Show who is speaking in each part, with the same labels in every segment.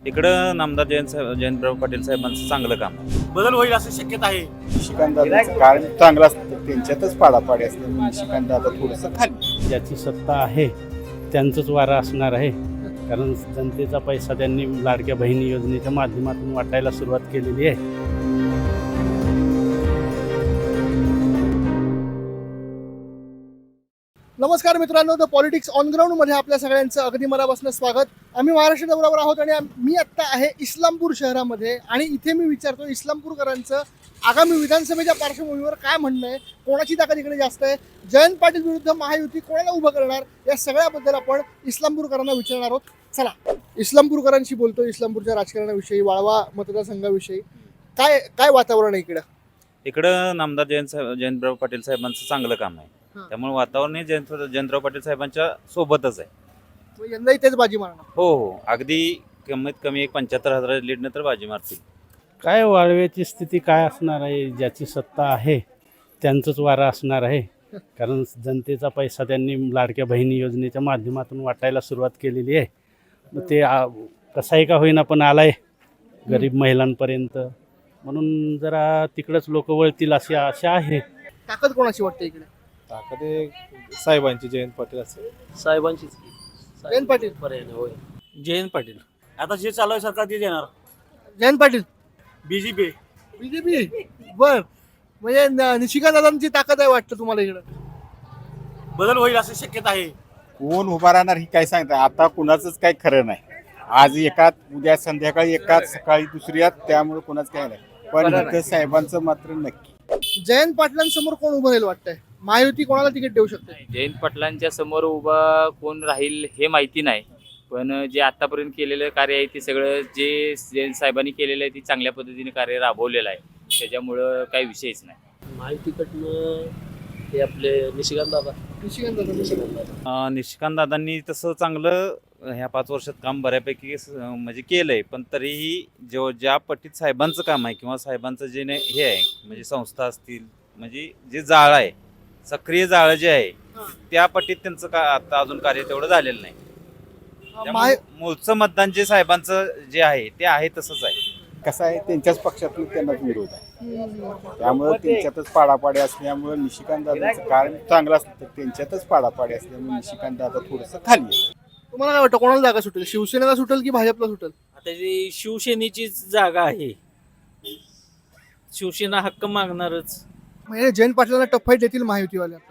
Speaker 1: इकडं नामदार जयंतराव पाटील साहेबांचं चांगलं काम आहे.
Speaker 2: बदल होईल अशी शक्यता आहे.
Speaker 3: निशिकांतदादाचं कारण चांगलं असतं, त्यांच्यातच पाडापाडी असल्यामुळे निशिकांतदादा थोडंसं खाली.
Speaker 4: ज्याची सत्ता आहे त्यांचंच वारं असणार आहे. कारण जनतेचा पैसा त्यांनी लाडक्या बहिणी योजनेच्या माध्यमातून वाटायला सुरुवात केलेली आहे.
Speaker 2: नमस्कार मित्रांनो, द पॉलिटिक्स ऑन ग्राउंडमध्ये आपल्या सगळ्यांचं अगदी मनापासून स्वागत. आम्ही महाराष्ट्र दौऱ्यावर आहोत आणि मी आत्ता आहे इस्लामपूर शहरामध्ये आणि इथे मी विचारतो इस्लामपूरकरांचं आगामी विधानसभेच्या पार्श्वभूमीवर काय म्हणणं आहे, कोणाची ताकद इकडे जास्त आहे, जयंत पाटील विरुद्ध महायुती कोणाला उभं करणार, या सगळ्याबद्दल आपण इस्लामपूरकरांना विचारणार आहोत. चला इस्लामपूरकरांशी बोलतो. इस्लामपूरच्या राजकारणाविषयी, वाळवा मतदारसंघाविषयी काय काय वातावरण आहे
Speaker 1: इकडं नामदार जयंतराव पाटील साहेबांचं चांगलं काम आहे. त्यामुळे वातावरण हे जयंतराव पाटील साहेबांच्या सोबतच आहे.
Speaker 2: यंदाही तेच बाजी मारणार?
Speaker 1: हो, अगदी कमीत कमी एक 75,000 लीडनं तर बाजी मारतील.
Speaker 4: काय वाळव्याची स्थिती काय असणार आहे, ज्याची सत्ता आहे त्यांचंच वारं असणार आहे. कारण जनतेचा पैसा त्यांनी लाडक्या बहिणी योजनेच्या माध्यमातून वाटायला सुरुवात केलेली आहे. मग ते कसाही का होईना पण आलाय गरीब महिलांपर्यंत, म्हणून जरा तिकडंच लोक वळतील अशी आशा आहे.
Speaker 2: ताकद कोणाची वाटते इकडे?
Speaker 5: ताकद साहेबांची, जयंत पाटील असेल.
Speaker 6: साहेबांचीच
Speaker 2: जयंत पाटील.
Speaker 6: पर्याय होय, जयंत पाटील.
Speaker 2: आता जे चालू आहे सरकार ते देणार. जयंत पाटील. बीजेपी बर, म्हणजे निशिकांत दादांची ताकद आहे वाटतं तुम्हाला इकडं? बदल होईल अशी शक्यता आहे.
Speaker 3: कोण उभा राहणार ही काय सांगता, आता कुणाचंच काही खरं नाही. आज एकात, उद्या संध्याकाळी एकात, सकाळी दुसऱ्यात, त्यामुळे कुणाच काय नाही. पण इथं साहेबांचं मात्र नक्की.
Speaker 2: जयंत पाटलांसमोर कोण उभं राहील वाटतंय? महायुती कोणाला तिकीट देऊ शकते?
Speaker 7: जयंत पाटलांच्या समोर उभा कोण राहील हे माहिती नाही, पण जे आतापर्यंत केलेलं कार्य आहे ते सगळं जे जयंत साहेबांनी केलेलं आहे ते चांगल्या पद्धतीने कार्य राबवलेलं आहे. त्याच्यामुळं काही विषयच नाही.
Speaker 6: माहितीकडनं हे आपले निशिकांत दादा.
Speaker 1: निशिकांत दादांनी तसं चांगलं ह्या 5 वर्षात काम बऱ्यापैकी म्हणजे केलंय, पण तरीही ज्या पट्टीत साहेबांचं काम आहे किंवा साहेबांचं जे हे आहे म्हणजे संस्था असतील, म्हणजे जे जाळं आहे, सक्रिय जाळं जे आहे त्या पट्टीत त्यांचं आता अजून कार्य तेवढं झालेलं नाही. त्यामुळे मूळचं मतदान जे साहेबांचं जे आहे ते आहे तसंच आहे.
Speaker 3: कसं आहे, त्यांच्याच पक्षातून त्यांनाच विरोध आहे, त्यामुळे त्यांच्यातच पाडापाडी असल्यामुळे निशिकांतदादाचं कारण चांगलं असतं, त्यांच्यातच पाडापाडी असल्यामुळे निशिकांतदादा थोडंसं खाली आहे.
Speaker 2: तुम्हाला काय वाटतं कोणाला जागा सुटेल? शिवसेनेला सुटेल की भाजपला सुटेल?
Speaker 6: आता जी शिवसेनेचीच जागा आहे, शिवसेना हक्क मागणारच.
Speaker 2: म्हणजे जयंत पाटलांना टफ फाईट देतील महायुतीवाले आता?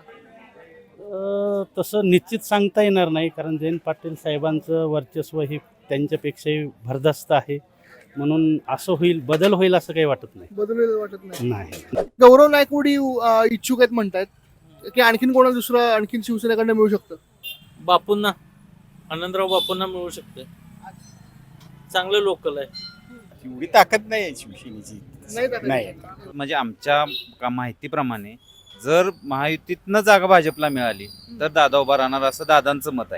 Speaker 4: तसं निश्चित सांगता येणार नाही, कारण जयंत पाटील साहेबांचं वर्चस्व हे त्यांच्यापेक्षाही भरदस्त आहे. म्हणून असं होईल, बदल होईल असं काही वाटत नाही.
Speaker 2: बदल होईल वाटत नाही.
Speaker 4: नाही.
Speaker 2: गौरव नायकवडी इच्छुक आहेत म्हणतायत की आणखीन कोणाला दुसरं आणखीन शिवसेनेकडनं मिळू शकतं?
Speaker 6: बापूंना, आनंदराव बापूंना मिळू शकते. चांगलं लोकल आहे.
Speaker 3: एवढी ताकद नाही आहे शिवसेनेची.
Speaker 2: नाही.
Speaker 1: म्हणजे आमच्या माहितीप्रमाणे जर महायुतीतनं जागा भाजपला मिळाली तर दादा उभा राहणार असं दादांचं मत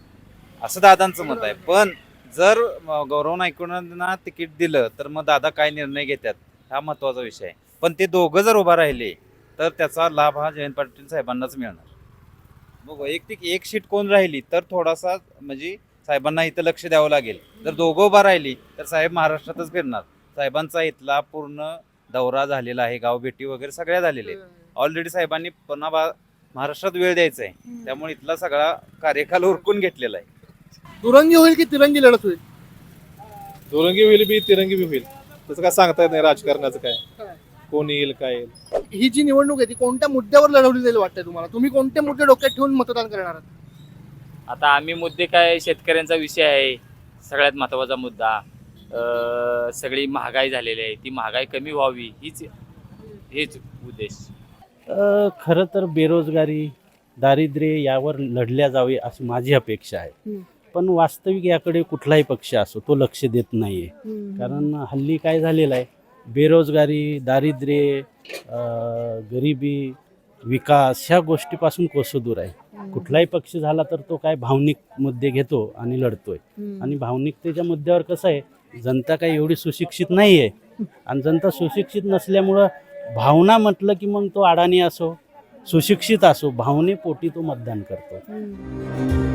Speaker 1: आहे. पण जर गौरव नायकवाडांना तिकीट दिलं तर मग दादा काय निर्णय घेतात हा महत्त्वाचा विषय आहे. पण ते दोघं जर उभा राहिले तर त्याचा लाभ हा जयंत पाटील साहेबांनाच मिळणार. मग वैयक्तिक एक सीट कोण राहिली तर थोडासा म्हणजे साहेबांना इथं लक्ष द्यावं लागेल. जर दोघं उभा राहिली तर साहेब महाराष्ट्रातच फिरणार. साहेबांचा इथला पूर्ण दौरा झालेला आहे, गावभेटी वगैरे सगळ्या झालेल्या आहेत. ऑलरेडी साहेबांनी पुन्हा महाराष्ट्रात वेळ द्यायचा आहे, त्यामुळे इथला सगळा कार्यकाल उरकून घेतलेला आहे.
Speaker 2: दुरंगी होईल की तिरंगी लढत होईल?
Speaker 5: दुरंगी होईल बी, तिरंगी बी होईल. तसं काय सांगता येत नाही राजकारणाचं, काय कोण येईल काय येईल.
Speaker 2: ही जी निवडणूक आहे ती कोणत्या मुद्द्यावर लढवली जाईल वाटतंय तुम्हाला? तुम्ही कोणते मुद्दे डोक्यात ठेवून मतदान करणार आहात?
Speaker 7: आता आम्ही मुद्दे काय, शेतकऱ्यांचा विषय आहे सगळ्यात महत्त्वाचा मुद्दा. सगळी महागाई झालेली आहे, ती महागाई कमी व्हावी हेच उद्देश.
Speaker 4: खरं तर बेरोजगारी, दारिद्र्य यावर लढल्या जावे अशी माझी अपेक्षा आहे. पण वास्तविक याकडे कुठलाही पक्ष असो तो लक्ष देत नाही आहे. कारण हल्ली काय झालेलं आहे, बेरोजगारी, दारिद्र्य, गरिबी, विकास ह्या गोष्टीपासून कोसो दूर आहे. कुठलाही पक्ष झाला तर तो काय भावनिक मुद्दे घेतो आणि लढतोय. आणि भावनिकतेच्या मुद्द्यावर कसं आहे, जनता काही एवढी सुशिक्षित नाही आहे आणि जनता सुशिक्षित नसल्यामुळं भावना म्हटलं की मग तो अडाणी असो सुशिक्षित असो भावनेपोटी तो मतदान करतो.